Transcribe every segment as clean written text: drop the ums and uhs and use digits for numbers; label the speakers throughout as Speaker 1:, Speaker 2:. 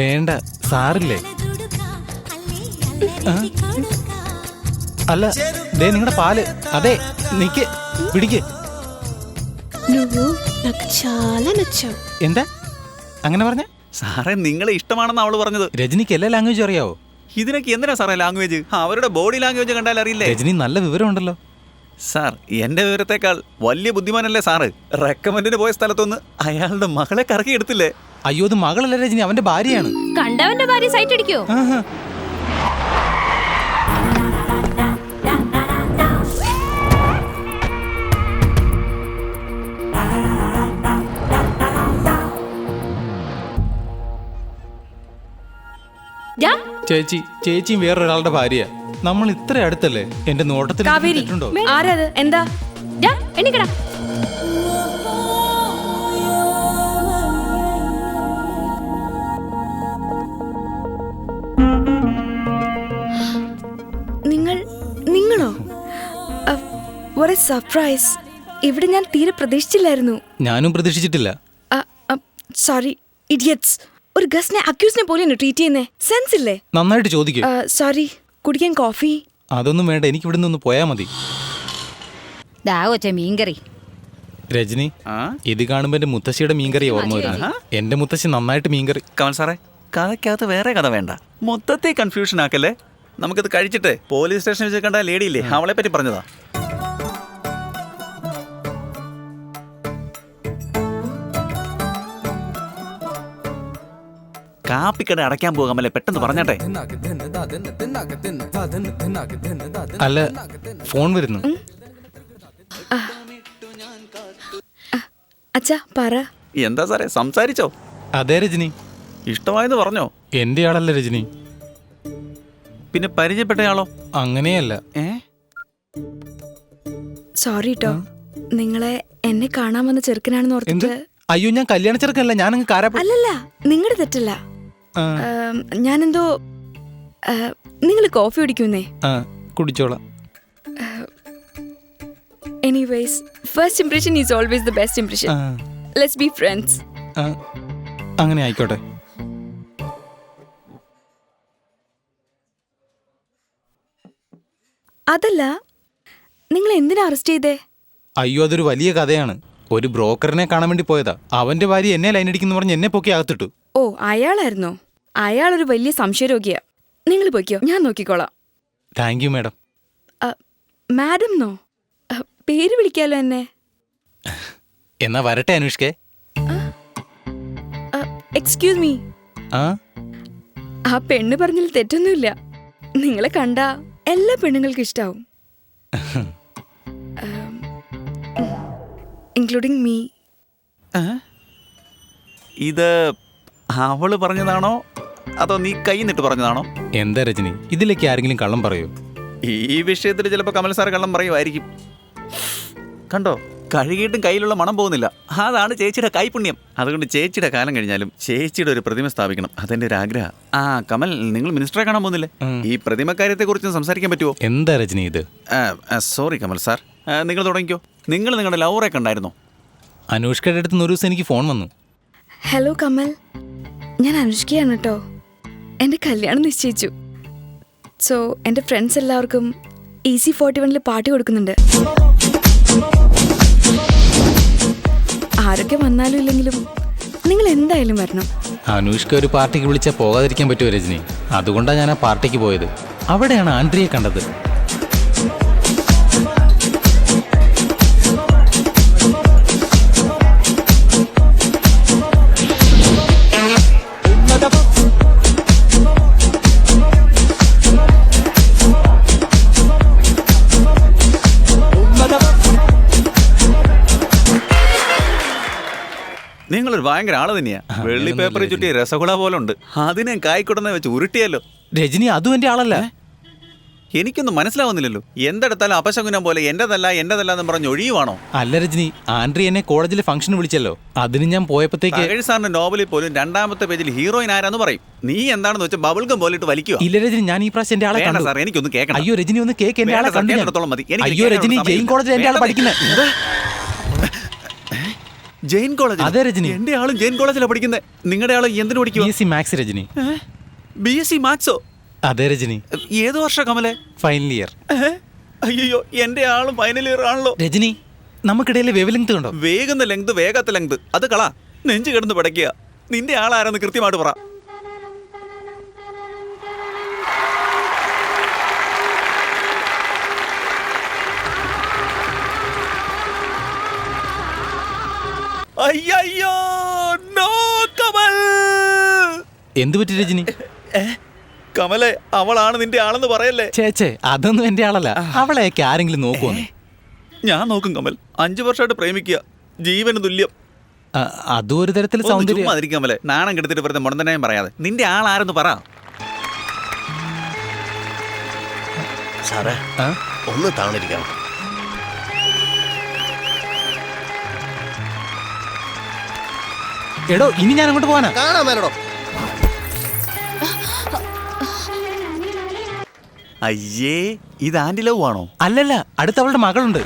Speaker 1: വേണ്ട, സാറില്ലേ? അല്ല, ദേ നിങ്ങളുടെ പാല്. അതെ, നിക്ക്, പിടിക്ക്.
Speaker 2: నువ్వు నాకు చాలా నచ్చావు.
Speaker 1: എന്താ അങ്ങനെ പറഞ്ഞ?
Speaker 3: സാറേ നിങ്ങളെ ഇഷ്ടമാണെന്ന് അവള് പറഞ്ഞത്.
Speaker 1: രജനിക്ക് എല്ലാ ലാംഗ്വേജും അറിയാവോ?
Speaker 3: ഇതിനൊക്കെ എന്തിനാ സാറേ ലാംഗ്വേജ്? അവരുടെ ബോഡി ലാംഗ്വേജ് കണ്ടാൽ അറിയില്ലേ?
Speaker 1: രജനി നല്ല വിവരമുണ്ടല്ലോ.
Speaker 3: സാർ എന്റെ വിവരത്തെക്കാൾ വലിയ ബുദ്ധിമാനല്ലേ സാറ്? റെക്കമെൻഡിന് പോയ സ്ഥലത്തൊന്ന് അയാളുടെ മകളെ കറക്കി എടുത്തില്ലേ?
Speaker 1: അയ്യോ, അത് മകളല്ല രജനി, അവന്റെ ഭാര്യയാണ്.
Speaker 2: കണ്ടവന്റെ ഭാര്യ സൈറ്റ് അടിക്കോ?
Speaker 1: ചേച്ചിയും വേറൊരാളുടെ ഭാര്യ. നമ്മൾ ഇത്ര അടുത്തല്ലേ? എന്റെ നോട്ടത്തിൽ
Speaker 2: തെറ്റുണ്ടോ? ആരത്? എന്താ? എണ്ണിക്കടാ.
Speaker 4: നിങ്ങളോ? ഒരു സർപ്രൈസ്. ഇവിടെ ഞാൻ തീരെ പ്രതീക്ഷിച്ചില്ലായിരുന്നു.
Speaker 1: ഞാനും പ്രതീക്ഷിച്ചിട്ടില്ല.
Speaker 4: Sorry idiots. ഒരു ഗസ്റ്റിനെ അക്യൂസിനെ പോലെയാണ് ട്രീറ്റ് ചെയ്യുന്നേ. സെൻസ് ഇല്ലേ?
Speaker 1: നന്നായിട്ട് ചോദിക്കും.
Speaker 4: സോറി, കുടിക്കാൻ കോഫി?
Speaker 1: അതൊന്നും വേണ്ട, എനിക്ക് ഇവിടെ നിന്ന് പോയാ മതി.
Speaker 2: മീൻകറി.
Speaker 1: രജനി, ഇത് കാണുമ്പോ എന്റെ മുത്തശ്ശിയുടെ മീൻകറി ഓർമ്മ വരുന്നു. എന്റെ മുത്തശ്ശി നന്നായിട്ട് മീൻകറി.
Speaker 3: കമൽ സാറേ, കഥയ്ക്കകത്ത് വേറെ കഥ വേണ്ട, മൊത്തത്തെ കൺഫ്യൂഷൻ ആക്കല്ലേ. നമുക്കത് കഴിച്ചിട്ട് പോലീസ് സ്റ്റേഷനിൽ വെച്ച് കണ്ട ലേഡിയില്ലേ, അവളെ പറ്റി പറഞ്ഞതാ. കാപ്പിക്കട അടയ്ക്കാൻ പോകാമല്ലേ, പെട്ടെന്ന് പറഞ്ഞാട്ടെ.
Speaker 1: അല്ല, ഫോൺ വരുന്നു.
Speaker 4: അച്ഛാ പറ.
Speaker 3: എന്താ സാറേ, സംസാരിച്ചോ?
Speaker 1: അതെ രജനി.
Speaker 3: ഇഷ്ടമായെന്ന് പറഞ്ഞോ?
Speaker 1: എന്റെ ആളല്ല രജനി.
Speaker 3: പിന്നെ പരിചയപ്പെട്ടയാളോ?
Speaker 1: അങ്ങനെയല്ല.
Speaker 4: സോറി ട്ടോ, നിങ്ങളെ എന്നെ കാണാൻ വന്ന ചെറുക്കനാണെന്ന് ഓർത്തിട്ട്.
Speaker 1: അയ്യോ, ഞാൻ കല്യാണ ചെറുക്കനല്ല, ഞാനങ്ങ് കാരാപ്പ.
Speaker 4: അല്ലല്ല, നിങ്ങളുടെ തെറ്റല്ല. ഞാനെന്തോ. നിങ്ങൾ കോഫി കുടിക്കുന്നേ?
Speaker 1: കുടിച്ചോളാം.
Speaker 4: Anyways, first impression is always the best impression. Let's be friends.
Speaker 1: അങ്ങനെ ആയിക്കോട്ടെ.
Speaker 4: അതല്ല, നിങ്ങൾ എന്തിനാ അറസ്റ്റ് ചെയ്തേ?
Speaker 1: അയ്യോ, അതൊരു വലിയ കഥയാണ്. ഒരു ബ്രോക്കറിനെ കാണാൻ വേണ്ടി പോയതാ. അവന്റെ ഭാര്യ എന്നെ ലൈൻ അടിക്കുന്നു പറഞ്ഞ് എന്നെ പൊക്കി അകത്തിട്ടു.
Speaker 4: ഓ, അയാളായിരുന്നോ? അയാളൊരു വലിയ സംശയരോഗിയാ. നിങ്ങൾ പോയിക്കോ, ഞാൻ നോക്കിക്കോളാം.
Speaker 1: Thank you madam.
Speaker 4: Madam no, പേര് വിളിക്കാലോ എന്നെ.
Speaker 1: എന്നാ വരട്ടെ അനുഷ്കേ.
Speaker 4: Excuse me. ആ പെണ്ണ് പറഞ്ഞതിൽ തെറ്റൊന്നുമില്ല. നിങ്ങളെ കണ്ടാ എല്ലാ പെണ്ണുങ്ങൾക്കും ഇഷ്ടാവും, ഇൻക്ലൂഡിംഗ് മീ.
Speaker 3: ഇത് അവള് പറഞ്ഞതാണോ അതോ നീ കൈ നിട്ട് പറഞ്ഞതാണോ?
Speaker 1: എന്താ രജനി, ഇതിലേക്ക് ആരെങ്കിലും കള്ളം പറയൂ?
Speaker 3: ഈ വിഷയത്തിൽ ചിലപ്പോ കമൽ സാർ കള്ളം പറയുമായിരിക്കും. കണ്ടോ, കഴുകിയിട്ടും കയ്യിലുള്ള മണം പോകുന്നില്ല. അതാണ് ചേച്ചിയുടെ കൈപുണ്യം. അതുകൊണ്ട് ചേച്ചിയുടെ കാലം കഴിഞ്ഞാലും ചേച്ചിയുടെ ഒരു പ്രതിമ സ്ഥാപിക്കണം, അതെന്റെ ഒരു ആഗ്രഹം. കമൽ, നിങ്ങൾ മിനിസ്റ്ററെ കാണാൻ പോകുന്നില്ലേ? ഈ പ്രതിമ കാര്യത്തെ കുറിച്ച് സംസാരിക്കാൻ പറ്റുമോ?
Speaker 1: എന്താ രജനി ഇത്?
Speaker 3: സോറി കമൽ സാർ, നിങ്ങൾ തുടങ്ങിക്കോ. നിങ്ങൾ നിങ്ങളുടെ ലവറെ കണ്ടായിരുന്നോ?
Speaker 1: അനുഷ്കയുടെ അടുത്ത് ഒരു ദിവസം എനിക്ക് ഫോൺ വന്നു.
Speaker 4: ഹലോ കമൽ, ഞാൻ അനുഷ്കയാണ് കേട്ടോ. എൻ്റെ കല്യാണം നിശ്ചയിച്ചു. സോ എൻ്റെ ഫ്രണ്ട്സ് എല്ലാവർക്കും EC41 പാർട്ടി കൊടുക്കുന്നുണ്ട്. ആരൊക്കെ വന്നാലും ഇല്ലെങ്കിലും നിങ്ങൾ എന്തായാലും വരണം.
Speaker 1: അനുഷ്ക ഒരു പാർട്ടിക്ക് വിളിച്ചാൽ പോകാതിരിക്കാൻ പറ്റുമോ രജനി? അതുകൊണ്ടാണ് ഞാൻ ആ പാർട്ടിക്ക് പോയത്. അവിടെയാണ് ആൻഡ്രിയെ കണ്ടത്.
Speaker 3: നിങ്ങളൊരു ഭയങ്കര ആള് തന്നെയാ. വെള്ളി പേപ്പറിൽ ചുറ്റിയ രസഗുള പോലെ ഉണ്ട്. അതിനെ കായ്ക്കുടനെ വെച്ച് ഉരുട്ടിയല്ലോ.
Speaker 1: രജനി, അതും എന്റെ ആളല്ല.
Speaker 3: എനിക്കൊന്നും മനസ്സിലാവുന്നില്ലല്ലോ. എന്തെടുത്താലും അപശകുനം പോലെ എന്റേതല്ല എന്ന് പറഞ്ഞ് ഒഴിയുവാണോ?
Speaker 1: അല്ല രജനി, ആൻഡ്രി എന്നെ കോളേജിലെ ഫംഗ്ഷന് വിളിച്ചല്ലോ. അതിന് ഞാൻ പോയപ്പോഴത്തേക്ക്
Speaker 3: സാറിന്റെ നോവലിൽ പോലും 2ാമത്തെ പേജിൽ ഹീറോയിൻ ആരാന്ന് പറയും. നീ എന്താണെന്ന് വെച്ചാൽ ബബിൾഗം പോലിട്ട് വലിക്കുക.
Speaker 1: ഇല്ല രജനി, ഞാൻ ഈ പ്രാവശ്യം എന്റെ ആളെ കണ്ടു.
Speaker 3: സാർ, എനിക്കൊന്ന് കേൾക്കണം.
Speaker 1: അയ്യോ രജനി, ഒന്ന് കേക്ക്. എന്റെ ആളെ കണ്ടു.
Speaker 3: മതി.
Speaker 1: അയ്യോ രജനി, ജെയിൻ കോളേജിൽ എന്റെ ആളെ പഠിക്കുന്നത്.
Speaker 3: ജെയിൻ കോളേജ്.
Speaker 1: അതെ രജനി.
Speaker 3: എന്റെ ആളും ജെയിൻ കോളേജിലാണ് പഠിക്കുന്നത്. നിങ്ങളുടെ ആള് എന്തിനു പഠിക്കുക?
Speaker 1: BSc maths Rajani.
Speaker 3: BSc മാത്സോ?
Speaker 1: അതെ രജനി.
Speaker 3: ഏത് വർഷം കമലെ?
Speaker 1: Final year.
Speaker 3: അയ്യോ, എന്റെ ആളും ഫൈനൽ ഇയർ ആണല്ലോ.
Speaker 1: രജനി, നമുക്കിടയിലെ വേവ് ലെങ്ത് കണ്ടോ?
Speaker 3: വേഗുന്ന ലെങ്ത്, വേഗത്തെ ലെങ്ത്, അത് കള. നെഞ്ചു കിടന്ന് പടയ്ക്കുക. നിന്റെ ആളാരെന്ന് കൃത്യമായിട്ട് പറ. അയ്യോ, നോ കമൽ.
Speaker 1: എന്തു പറ്റി രജനി?
Speaker 3: കമലെ, അവളാണ് നിന്റെ ആളെന്ന് പറയല്ലേ?
Speaker 1: ചേച്ചേ, അതൊന്നും എന്റെ ആളല്ല. അവളെയൊക്കെ ആരെങ്കിലും നോക്കുവോ?
Speaker 3: ഞാൻ നോക്കും കമൽ. 5 വർഷമായിട്ട് പ്രേമിക്കുക, ജീവന് തുല്യം.
Speaker 1: അതും ഒരു തരത്തിൽ സൗന്ദര്യം.
Speaker 3: കമലെ, നാണം കെടുത്തിട്ട് വെറുതെ മുടന്തനായും പറയാതെ നിന്റെ ആളാരെന്ന് പറ.
Speaker 5: സാറേ, ഒന്ന് താണിരിക്കണം.
Speaker 1: എടോ, ഇനി ഞാൻ അങ്ങോട്ട് പോവാനാ.
Speaker 5: കാണാൻ മേലടോ.
Speaker 3: അയ്യേ, ഇത് ആന്റി ലവ് ആണോ?
Speaker 1: അല്ലല്ല, അടുത്ത അവളുടെ മകളുണ്ട്.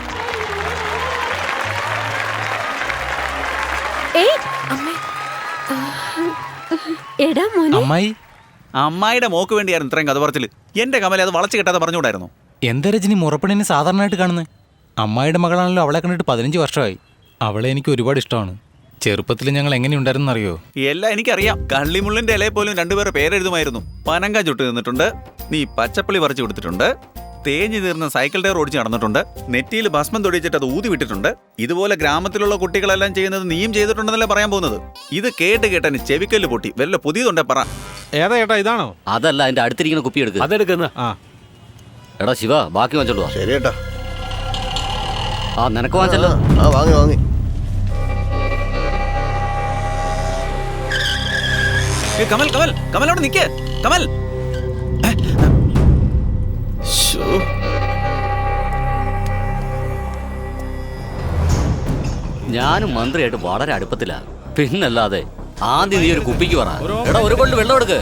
Speaker 2: എടാ മോനെ.
Speaker 1: അമ്മായി.
Speaker 3: അമ്മായിയുടെ മോക്ക് വേണ്ടിയായിരുന്നു ഇത്രയും കഥ പറച്ചില്. എന്റെ കമലെ അത് വളച്ചു കെട്ടാതെ പറഞ്ഞുകൂടായിരുന്നു.
Speaker 1: എന്താ രജനി മുറപ്പെണ്ണിനെ സാധാരണയായിട്ട് കാണുന്നത്? അമ്മായിയുടെ മകളാണല്ലോ. അവളെ കണ്ടിട്ട് 15 വർഷമായി. അവളെ എനിക്ക് ഒരുപാട് ഇഷ്ടമാണ്. ചെറുപ്പത്തിൽ ഞങ്ങൾ എങ്ങനെയുണ്ടായിരുന്നു അറിയോ?
Speaker 3: എല്ലാം എനിക്കറിയാം. കള്ളിമുള്ളിന്റെ ഇലയെ പോലും രണ്ടുപേരെ പേരെഴുതുമായിരുന്നു. പനങ്ക ചുട്ട് നിന്നിട്ടുണ്ട്, നീ പച്ചപ്പള്ളി പറിച്ചു കൊടുത്തിട്ടുണ്ട്, തേഞ്ഞു തീർന്ന സൈക്കിൾ ടയർ ഓടിച്ച് നടന്നിട്ടുണ്ട്, നെറ്റിയിൽ ഭസ്മം തൊടിച്ചിട്ട് അത് ഊതി വിട്ടിട്ടുണ്ട്. ഇതുപോലെ ഗ്രാമത്തിലുള്ള കുട്ടികളെല്ലാം ചെയ്യുന്നത് നീയും ചെയ്തിട്ടുണ്ടെന്നല്ലേ പറയാൻ പോകുന്നത്. ഇത് കേട്ട് കേട്ടന് ചെവിക്കല്ല് പൊട്ടി. വല്ല പുതിയതുണ്ടേ പറ.
Speaker 6: ഏതാ ചേട്ടാ, ഇതാണോ?
Speaker 7: അതല്ല, അതിന്റെ അടുത്തിരിക്കുന്ന കുപ്പി എടുക്കുക.
Speaker 6: അതെടുക്കുന്ന.
Speaker 7: എടാ ശിവ, ബാക്കി വാങ്ങിച്ചോളൂ.
Speaker 5: ശരി കേട്ടാ.
Speaker 7: നിനക്ക് വാങ്ങിച്ചല്ലോ.
Speaker 5: വാങ്ങി.
Speaker 3: കമൽ, കമൽ, കമലോട് നിക്ക്. കമൽ,
Speaker 7: ഞാനും മന്ത്രിയായിട്ട് വളരെ അടുപ്പത്തിലാ. പിന്നല്ലാതെ ആദ്യം നീ ഒരു കുപ്പിക്ക് പറ. എടാ, ഒരു കൊണ്ട് വെള്ളം എടുക്ക്.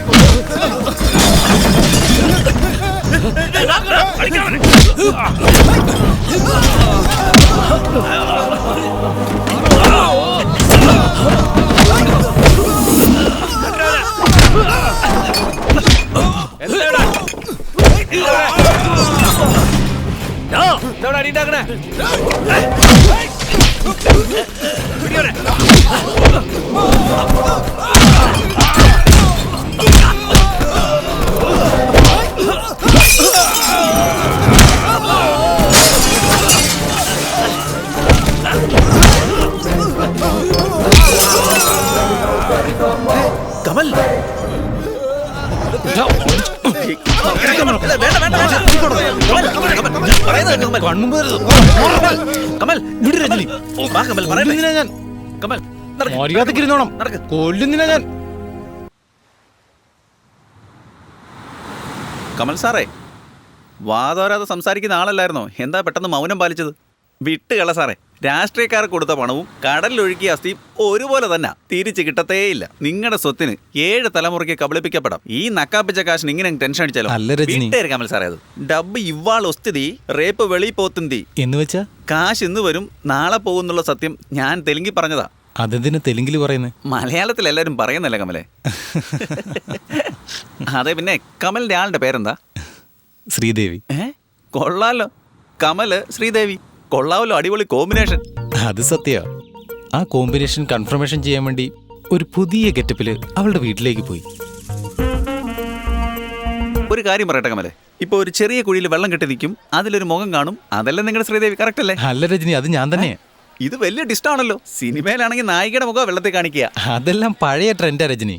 Speaker 3: കമൽ, കമൽ, വിട് രജനി. വാ കമൽ, പറയട്ടെ.
Speaker 1: ഞാൻ
Speaker 3: കമൽ,
Speaker 1: മര്യാദക്കിരുന്നോണം. കൊല്ലുന്നില്ല ഞാൻ.
Speaker 3: കമൽ സാറേ, വാതോരാതെ സംസാരിക്കുന്ന ആളല്ലായിരുന്നോ? എന്താ പെട്ടെന്ന് മൗനം പാലിച്ചത്? വിട്ടുകള സാറേ. രാഷ്ട്രീയക്കാർക്ക് കൊടുത്ത പണവും കടലിലൊഴുക്കിയ അസ്ഥിയും ഒരുപോലെ തന്നെ തിരിച്ചു കിട്ടത്തേയില്ല. നിങ്ങളുടെ സ്വത്തിന് 7 തലമുറയ്ക്ക് കബളിപ്പിക്കപ്പെടാം. ഈ നക്കാപ്പിച്ച കാശിന് ഇങ്ങനെ ടെൻഷൻ അടിച്ചാലോ?
Speaker 1: അല്ല രജനി.
Speaker 3: കമൽ സാറേ, അത് ഡബ്ബ് ഇവാൾ ഒസ്തുതി റേപ്പ് വെളി പോത്തുന്തി
Speaker 1: എന്ന് വെച്ചാ
Speaker 3: കാശ് ഇന്ന് വരും നാളെ പോകുന്നുള്ള സത്യം ഞാൻ തെലുങ്കി പറഞ്ഞതാ.
Speaker 1: അതെന്തിനു തെലുങ്കിൽ പറയുന്നത്?
Speaker 3: മലയാളത്തിൽ എല്ലാവരും പറയുന്നല്ലേ കമലെ. അതെ, പിന്നെ കമലിന്റെ ആളുടെ പേരെന്താ?
Speaker 1: ശ്രീദേവി.
Speaker 3: കൊള്ളാലോ. കമല് ശ്രീദേവി, കൊള്ളാവല്ലോ. അടിപൊളി കോമ്പിനേഷൻ.
Speaker 1: അത് സത്യ. ആ കോമ്പിനേഷൻ കൺഫർമേഷൻ ചെയ്യാൻ വേണ്ടി ഒരു പുതിയ ഗെറ്റപ്പില് അവളുടെ വീട്ടിലേക്ക് പോയി.
Speaker 3: ഒരു കാര്യം പറയട്ടെ കമലെ, ഇപ്പൊ ഒരു ചെറിയ കുഴിയിൽ വെള്ളം കെട്ടി നിൽക്കും, അതിലൊരു മുഖം കാണും. അതല്ലേ നിങ്ങളുടെ ശ്രീദേവി, കറക്റ്റ് അല്ലേ?
Speaker 1: അല്ല രജനി, അത് ഞാൻ തന്നെയാ.
Speaker 3: ഇത് വലിയ ഡിസ്റ്റാണല്ലോ. സിനിമയിലാണെങ്കിൽ നായികയുടെ മുഖം വെള്ളത്തിൽ കാണിക്കുക.
Speaker 1: അതെല്ലാം പഴയ ട്രെൻഡാ രജനി.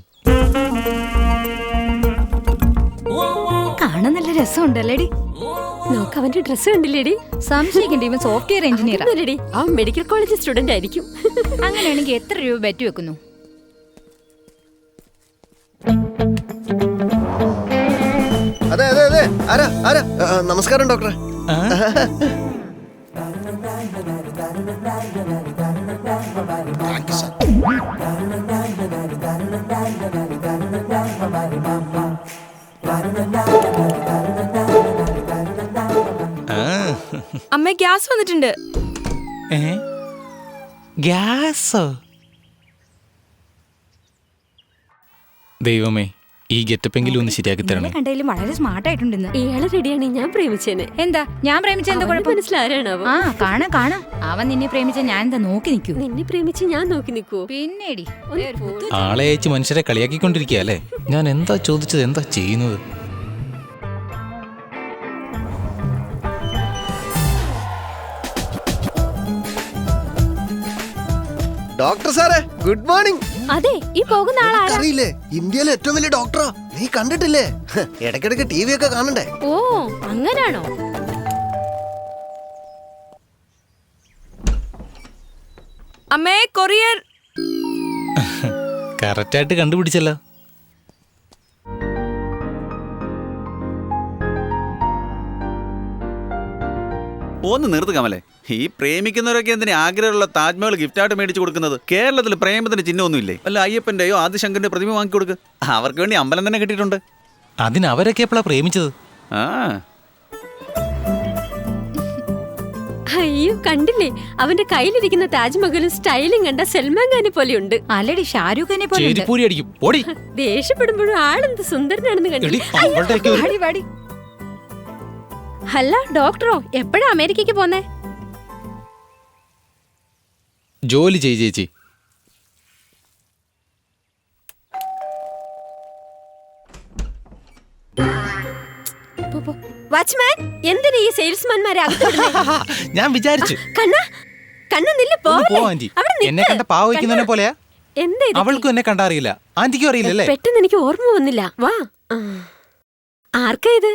Speaker 8: കാണാൻ നല്ല രസമുണ്ടല്ലേടി.
Speaker 2: നോക്ക്, അവന്റെ ഡ്രസ് കണ്ടില്ലേടി?
Speaker 8: സംശയിക്കണ്ട, ഇവൻ സോഫ്റ്റ്വെയർ എഞ്ചിനീയർ.
Speaker 2: അവൻ മെഡിക്കൽ കോളേജ് സ്റ്റുഡന്റ് ആയിരിക്കും.
Speaker 8: അങ്ങനെയാണെങ്കിൽ എത്ര രൂപ ബെറ്റ് വെക്കുന്നു?
Speaker 5: അതെ. ആരാ? നമസ്കാരം ഡോക്ടറെ.
Speaker 4: അമ്മ ഗ്യാസ് വന്നിട്ടുണ്ട്.
Speaker 1: ഗ്യാസോ? ദൈവമേ, ഈ ഗെറ്റപ്പെങ്കിലും ഒന്ന് ശരിയാക്കി തരണേ.
Speaker 8: കണ്ടതിലും വളരെ സ്മാർട്ട് ആയിട്ടുണ്ടെന്ന്.
Speaker 2: ഇയാളെ റെഡിയാണ് ഞാൻ പ്രേമിച്ചേനെ.
Speaker 8: എന്താ ഞാൻ പ്രേമിച്ച എന്താ
Speaker 2: അവന്
Speaker 8: കുഴപ്പം?
Speaker 2: മനസ്സിലാരാണാവോ?
Speaker 8: ആ കാണാം കാണാം. അവൻ നിന്നെ പ്രേമിച്ച ഞാൻ എന്താ നോക്കി നിൽക്കൂ?
Speaker 2: നിന്നെ പ്രേമിച്ച് ഞാൻ നോക്കി നിൽക്കുവോ?
Speaker 8: പിന്നേടി
Speaker 1: ആളെ അയച്ച് മനുഷ്യരെ കളിയാക്കിക്കൊണ്ടിരിക്കുക അല്ലേ? ഞാൻ എന്താ ചോദിച്ചത്, എന്താ ചെയ്യുന്നത്?
Speaker 5: ഡോക്ടർ സാറേ, ഗുഡ് മോർണിംഗ്.
Speaker 2: അതെ, ഈ പോകുന്ന ആളാരാ?
Speaker 5: അറിയില്ലേ, ഇന്ത്യയിലെ ഏറ്റവും വലിയ ഡോക്ടറാ. നീ കണ്ടിട്ടില്ലേ? ഇടയ്ക്കിടയ്ക്ക് ടി വി ഒക്കെ കാണണ്ടേ?
Speaker 2: ഓ, അങ്ങനാണോ?
Speaker 4: അമ്മേ, കൊറിയർ.
Speaker 1: കറക്റ്റായിട്ട് കണ്ടുപിടിച്ചല്ലോ.
Speaker 3: ഒന്ന് നിർത്ത് കമലേ. ഈ പ്രേമിക്കുന്നവരൊക്കെ എന്തിനാ ആഗ്രഹമുള്ള താജ്മഹൽ ഗിഫ്റ്റായിട്ട് മേടിച്ചു കൊടുക്കുന്നത്? കേരളത്തിൽ പ്രേമത്തിന് ചിഹ്നമൊന്നും ഇല്ലേ? അല്ല അയ്യപ്പന്റെയോ ആദിശങ്കറിന്റെ പ്രതിമ വാങ്ങി കൊടുക്ക്. അവർക്ക് വേണ്ടി അമ്പലം തന്നെ കിട്ടിയിട്ടുണ്ട്.
Speaker 1: അതിന് അവരൊക്കെ എപ്പോഴാ പ്രേമിച്ചത്?
Speaker 3: ആ
Speaker 2: അയ്യോ, കണ്ടില്ലേ? അവന്റെ കയ്യിലിരിക്കുന്ന താജ്മഹലും സ്റ്റൈലും കണ്ട സൽമാൻ ഖാനെ പോലെയുണ്ട്.
Speaker 8: ആൽറെഡി ഷാരൂഖ് ഖാനെ പോലെ ഉണ്ട്.
Speaker 1: ചേരിപ്പൂരി അടിക്കും. ഓടി.
Speaker 2: ദേഷ്യപ്പെടുമ്പോഴും ആളെന്ത് സുന്ദരനാണെന്ന്
Speaker 1: എടി,
Speaker 2: കണ്ടില്ലേ?
Speaker 1: അവളുടെയൊക്കെ ഒരു-
Speaker 8: വാടി, വാടി.
Speaker 2: അല്ല ഡോക്ടറോ, എപ്പോഴാ അമേരിക്കക്ക് പോന്നേ?
Speaker 1: ജോലി ചെയ് ചേച്ചി.
Speaker 2: വാച്ച്മാൻ, എന്തിനാ ഈ സെയിൽസ്മാൻമാരെ അകത്ത് വിടുന്നേ?
Speaker 1: ഞാൻ വിചാരിച്ചു.
Speaker 2: കണ്ണ കണ്ണ നില്ല്,
Speaker 1: ഒന്ന് പോ
Speaker 2: പോവല്ലേ?
Speaker 1: ആന്റി.
Speaker 2: അവിടെ നിൽക്ക്.
Speaker 1: എന്നെ കണ്ട പാവ വയ്ക്കുന്നതിനെ പോലെയാ.
Speaker 2: എന്താ ഇത്?
Speaker 1: അവൾക്കും എന്നെ കണ്ടറിയില്ല, ആന്റിക്കും അറിയില്ലല്ലേ?
Speaker 2: പെട്ടെന്ന് എനിക്ക് ഓർമ്മ വന്നില്ല. വാ. ആ. ആർക്കാ ഇത്?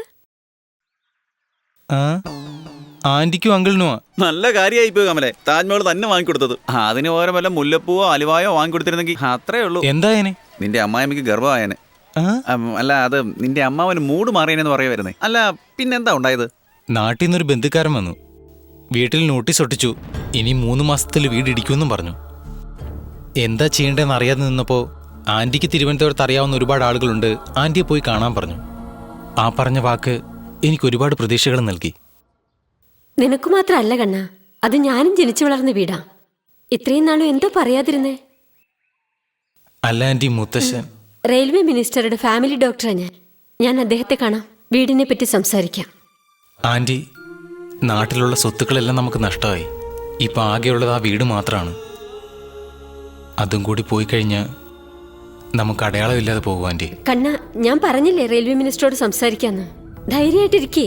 Speaker 1: ആ, ആന്റിക്കും അങ്കിളിനുമാ.
Speaker 3: നല്ല കാര്യമായി പോയി കമലേ, താജ്മഹൽ തന്നെ വാങ്ങിക്കൊടുത്തത്. അതിന് പകരം വല്ല മുല്ലപ്പൂവോ അലുവായോ വാങ്ങിക്കൊടുത്തിരുന്നെങ്കിൽ അത്രേ ഉള്ളൂ.
Speaker 1: എന്തായനെ?
Speaker 3: നിന്റെ അമ്മായിമ്മക്ക് ഗർഭമായനെ.
Speaker 1: ആ,
Speaker 3: അല്ല, അത് നിന്റെ അമ്മാവന് മൂഡ് മാറിയനെന്ന് പറയുമായിരുന്നേ. അല്ല പിന്നെന്താ ഉണ്ടായത്?
Speaker 1: നാട്ടിൽ നിന്നൊരു ബന്ധുക്കാരൻ വന്നു. വീട്ടിൽ നോട്ടീസ് ഒട്ടിച്ചു, ഇനി 3 മാസത്തിൽ വീട് ഇടിക്കുമെന്നും പറഞ്ഞു. എന്താ ചെയ്യേണ്ടതെന്ന് അറിയാതെ നിന്നപ്പോൾ ആന്റിക്ക് തിരുവനന്തപുരത്ത് അറിയാവുന്ന ഒരുപാട് ആളുകളുണ്ട്, ആന്റിയെ പോയി കാണാൻ പറഞ്ഞു. ആ പറഞ്ഞ വാക്ക് എനിക്ക് ഒരുപാട് പ്രതീക്ഷകൾ നൽകി.
Speaker 2: നിനക്ക് മാത്രല്ല കണ്ണ, അത് ഞാനും ജനിച്ചു വളർന്ന വീടാ. ഇത്രയും നാളും എന്തോ പറയാതിരുന്നേ?
Speaker 1: അല്ല ആന്റി, മുത്തശ്ശൻ
Speaker 2: റെയിൽവേ മിനിസ്റ്ററുടെ ഫാമിലി ഡോക്ടറാ ഞാൻ അദ്ദേഹത്തെ കാണാം, വീടിനെ പറ്റി സംസാരിക്കാം.
Speaker 1: ആന്റി, നാട്ടിലുള്ള സ്വത്തുക്കളെല്ലാം നമുക്ക് നഷ്ടമായി. ഇപ്പം ആകെയുള്ളത് ആ വീട് മാത്രമാണ്. അതും കൂടി പോയി കഴിഞ്ഞാൽ നമുക്ക് അടയാളമില്ലാതെ പോകും ആന്റി.
Speaker 2: കണ്ണ, ഞാൻ പറഞ്ഞില്ലേ റെയിൽവേ മിനിസ്റ്ററോട് സംസാരിക്കാന്ന്. ധൈര്യമായിട്ടിരിക്കേ.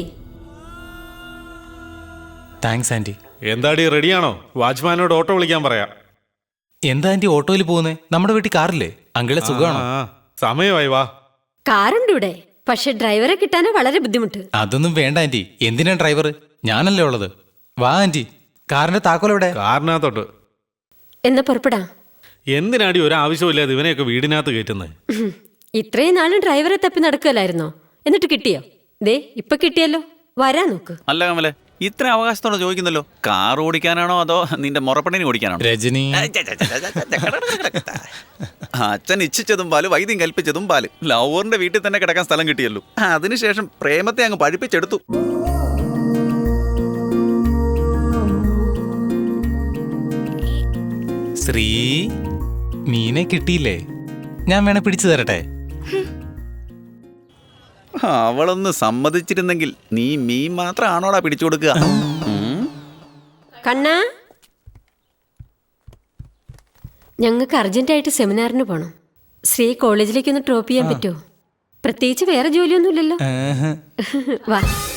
Speaker 1: Thanks aunty.
Speaker 6: എന്താടി റെഡിയാണോ? വാച്ച്മാനോട് ഓട്ടോ വിളിക്കാൻ പറയാം.
Speaker 1: എന്താ ആന്റി ഓട്ടോയിൽ പോകുന്നേ? നമ്മുടെ വീട്ടിൽ കാറില്ലേ? അങ്കിളെ സുഖമാണോ?
Speaker 6: സമയമായി, വാ.
Speaker 2: കാറുണ്ട് ഇവിടെ, പക്ഷെ ഡ്രൈവറെ കിട്ടാനാ വളരെ ബുദ്ധിമുട്ട്.
Speaker 1: അതൊന്നും വേണ്ട ആന്റി, എന്തിനാ ഡ്രൈവർ? ഞാനല്ലേ ഉള്ളത്. വാ ആന്റി, കാറിന്റെ താക്കോലെവിടെ?
Speaker 6: കാറിനകത്തോട്ട്.
Speaker 2: എന്നാ പുറപ്പെടാം.
Speaker 6: എന്തിനാടി ഒരു ആവശ്യമില്ലാതെ ഇവനെയൊക്കെ വീടിനകത്ത് കയറ്റുന്നത്?
Speaker 2: ഇത്രയും നാളും ഡ്രൈവറെ തപ്പി നടക്കുകയല്ലായിരുന്നോ? എന്നിട്ട് കിട്ടിയോ? ദേ ഇപ്പൊ കിട്ടിയല്ലോ, വരാൻ നോക്ക്.
Speaker 3: അല്ല കമലേ, ഇത്ര അവകാശത്തോടെ ചോദിക്കുന്നല്ലോ. കാർ ഓടിക്കാനാണോ അതോ നിന്റെ മുറപ്പെണ്ണിനെ ഓടിക്കാനാണോ?
Speaker 1: രജനി,
Speaker 3: അച്ഛൻ ഇച്ഛിച്ചതും പാല്, വൈദ്യം കൽപ്പിച്ചതും പാല്. ലവറിന്റെ വീട്ടിൽ തന്നെ കിടക്കാൻ സ്ഥലം കിട്ടിയല്ലോ. അതിനുശേഷം പ്രേമത്തെ അങ്ങ് പഴിപ്പിച്ചെടുത്തു.
Speaker 1: ശ്രീ, മീനെ കിട്ടിയില്ലേ? ഞാൻ വേണേ പിടിച്ചു തരട്ടെ?
Speaker 3: അവളൊന്ന് സമ്മതിച്ചിരുന്നെങ്കിൽ. നീ മീൻ മാത്രം ആണോടാ പിടിച്ചു കൊടുക്കുക?
Speaker 2: കണ്ണാ, ഞങ്ങൾക്ക് അർജന്റായിട്ട് സെമിനാറിന് പോണം. ശ്രീ കോളേജിലേക്ക് ഒന്ന് ഡ്രോപ്പ് ചെയ്യാൻ പറ്റുമോ? പ്രത്യേകിച്ച് വേറെ ജോലിയൊന്നുമില്ലല്ലോ. വാ.